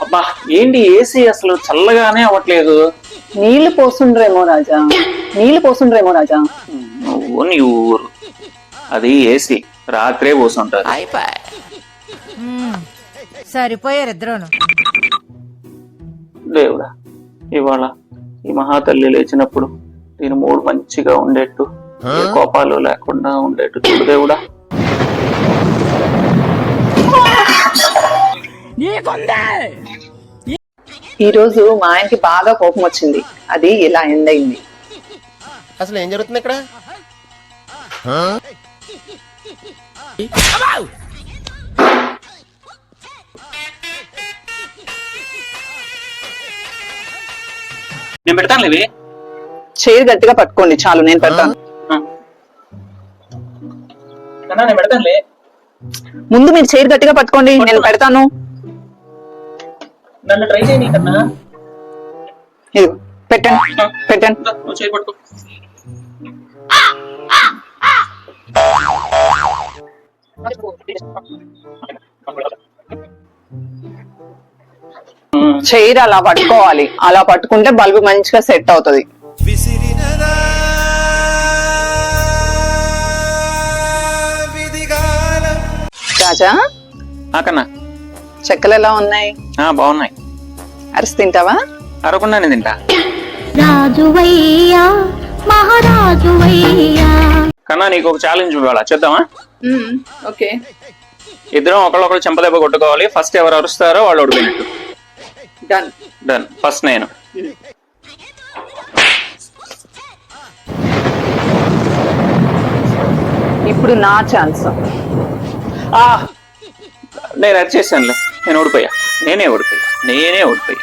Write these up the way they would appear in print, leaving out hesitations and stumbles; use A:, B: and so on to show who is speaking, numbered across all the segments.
A: అబ్బా ఏంటి ఏసీ అసలు చల్లగానే అవ్వట్లేదు.
B: నీళ్లు పోస్తుండ్రేమో రాజా, నీళ్లు పోస్తుండ్రేమో రాజా.
A: నువ్వు నీ ఊరు, అది ఏసీ రాత్రే పోసుంటారు.
C: సరిపోయారు ఇద్దరును.
A: దేవుడా, ఇవాళ ఈ మహాతల్లి లేచినప్పుడు దీని మూడు మంచిగా ఉండేట్టు, ఏ కోపాలు లేకుండా ఉండేట్టు చూడు దేవుడా.
B: ఈ రోజు మా ఆయనకి బాగా కోపం వచ్చింది, అది ఇలా ఎండ్ అయింది.
D: అసలు ఏం జరుగుతుంది ఇక్కడ?
A: నేను పెడతాను లేవి.
B: చైర్ గట్టిగా పట్టుకోండి చాలు, నేను పెడతాను.
A: నేను పెడతానులే.
B: ముందు మీరు చైర్ గట్టిగా పట్టుకోండి, నేను పెడతాను.
A: నన్ను ట్రై చేయని కన్నా.
B: ఇదిగో పెట్టండి, పెట్టండి.
A: నువ్వు చేయి పట్టుకో.
B: చైర్ అలా పట్టుకోవాలి, అలా పట్టుకుంటే బల్బు మంచిగా సెట్ అవుతుంది. రాజా,
A: కన్నా
B: చెక్కలు ఎలా ఉన్నాయి?
A: బాగున్నాయి.
B: అరిసి తింటావా?
A: అరకుండానే తింటా.
E: రాజువయ్యా మహారాజువయ్యా.
A: కన్నా నీకు ఒక ఛాలెంజ్ ఇవ్వాలా, చేద్దామా?
B: ఓకే.
A: ఇద్దరం ఒకళ్ళొకళ్ళు చెంపదెబ్బ కొట్టుకోవాలి. ఫస్ట్ ఎవరు అరుస్తారో వాళ్ళు ఓడిపోయినట్టు.
B: Done
A: done. ఫస్ట్ నేను.
B: ఇప్పుడు నా ఛాన్స్.
A: నేను అరిచేసానులే, నేను ఓడిపోయా. నేనే ఓడిపోయా.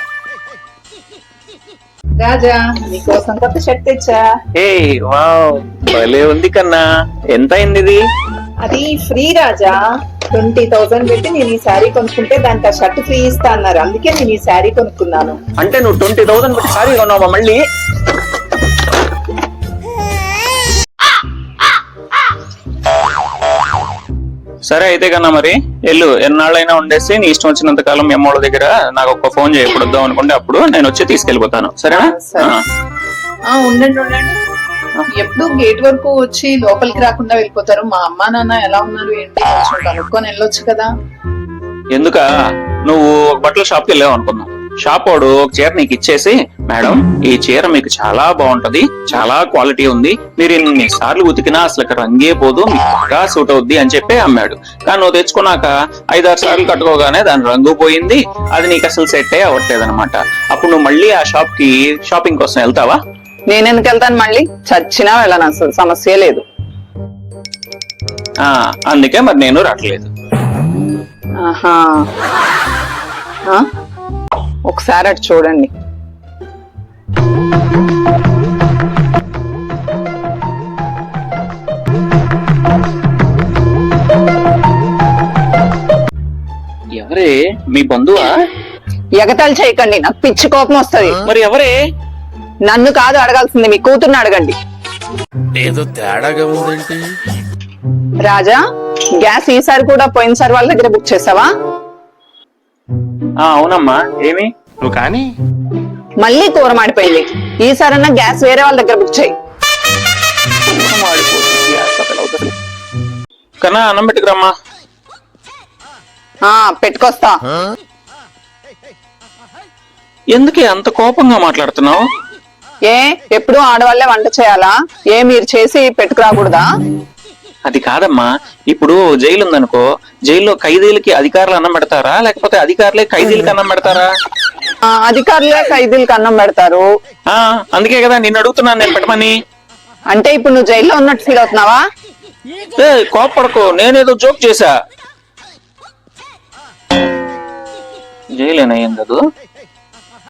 B: రాజా, నీకోసం కొత్త షర్ట్ తెచ్చా.
A: ఏ వావ్, భలే ఉంది కన్నా. ఎంత అయింది ఇది?
B: అది ఫ్రీ రాజా, 20,000 పెట్టి నేను ఈ శారీ కొనుక్కుంటే దానికి ఆ షర్ట్ ఫ్రీ ఇస్తా అన్నారు, అందుకే నేను ఈ శారీ కొనుక్కున్నాను.
A: అంటే నువ్వు 20,000 పెట్టి సారీ కొన్నావా మళ్ళీ? సరే అయితే కన్నా మరి ఎల్లు, ఎన్నాళ్ళైనా ఉండేసి నీ ఇష్టం వచ్చినంత కాలం మీ అమ్మోళ్ళ దగ్గర నాకు ఒక ఫోన్ చేయి, ఎప్పుడు వద్దాం అనుకుంటే అప్పుడు నేను వచ్చి తీసుకెళ్ళిపోతాను. సరేనా?
B: ఉండండి ఎప్పుడు గేట్ వరకు వచ్చి లోపలికి రాకుండా వెళ్ళిపోతారు. మా అమ్మా నాన్న ఎలా ఉన్నారు ఏంటి కొంచెం కనుక్కొని వెళ్ళొచ్చు కదా.
A: ఎందుక, నువ్వు ఒక బట్టల షాప్కి వెళ్ళావు అనుకున్నావు. షాప్ వాడు ఒక చీర నీకు ఇచ్చేసి, మేడం ఈ చీర మీకు చాలా బాగుంటది, చాలా క్వాలిటీ ఉంది, మీరు ఇన్ని సార్లు ఉతికినా అసలు రంగే పోదు, మీకు బాగా సూట్ అవుద్ది అని చెప్పి అమ్మాడు. కానీ నువ్వు తెచ్చుకున్నాక 5-6 సార్లు కట్టుకోగానే దాని రంగు పోయింది, అది నీకు అసలు సెట్ అవ్వట్లేదు అనమాట. అప్పుడు నువ్వు మళ్ళీ ఆ షాప్ కి షాపింగ్ కోసం వెళ్తావా?
B: నేనెందుకు వెళ్తాను, మళ్ళీ చచ్చినా వెళ్ళను, అసలు సమస్య లేదు.
A: అందుకే మరి నేను రావట్లేదు.
B: ఆహా, ఒకసారి అటు చూడండి.
A: ఎవరే, మీ బంధువా?
B: ఎగతాళి చేయకండి, నాకు పిచ్చి కోపం వస్తుంది.
A: మరి ఎవరే?
B: నన్ను కాదు అడగాల్సింది, మీ కూతుర్ని అడగండి.
D: ఏదో తేడాగా ఉందేంటి?
B: రాజా, గ్యాస్ ఈసారి కూడా పోయినసారి వాళ్ళ దగ్గర బుక్ చేసావా?
A: అవునమ్మా, ఏమి?
D: నువ్వు కానీ
B: మళ్ళీ కూర మాడిపోయింది, ఈసారన్నా గ్యాస్ వేరే వాళ్ళ దగ్గర బుక్ చేయి.
A: కన్నా అన్నం పెట్టుకురమ్మా.
B: పెట్టుకొస్తా.
A: ఎందుకే అంత కోపంగా మాట్లాడుతున్నావు?
B: ఎప్పుడు ఆడవాళ్లే వంట చేయాలా? మీరు చేసి పెట్టుకురాకూడదా?
A: అది కాదమ్మా, ఇప్పుడు జైలు ఉందనుకో, జైల్లో ఖైదీలకి అధికారులు అన్నం పెడతారా, లేకపోతే అధికారులే ఖైదీలకి అన్నం పెడతారా?
B: అధికారులే ఖైదీలకి అన్నం పెడతారు.
A: అందుకే కదా నిన్ను అడుగుతున్నాను నేను పెట్టమని.
B: అంటే ఇప్పుడు నువ్వు జైల్లో ఉన్నట్టు ఫీల్ అవుతున్నావా?
A: కోపడకో, నేనేదో జోక్ చేశా. జైలేనా ఏం కాదు.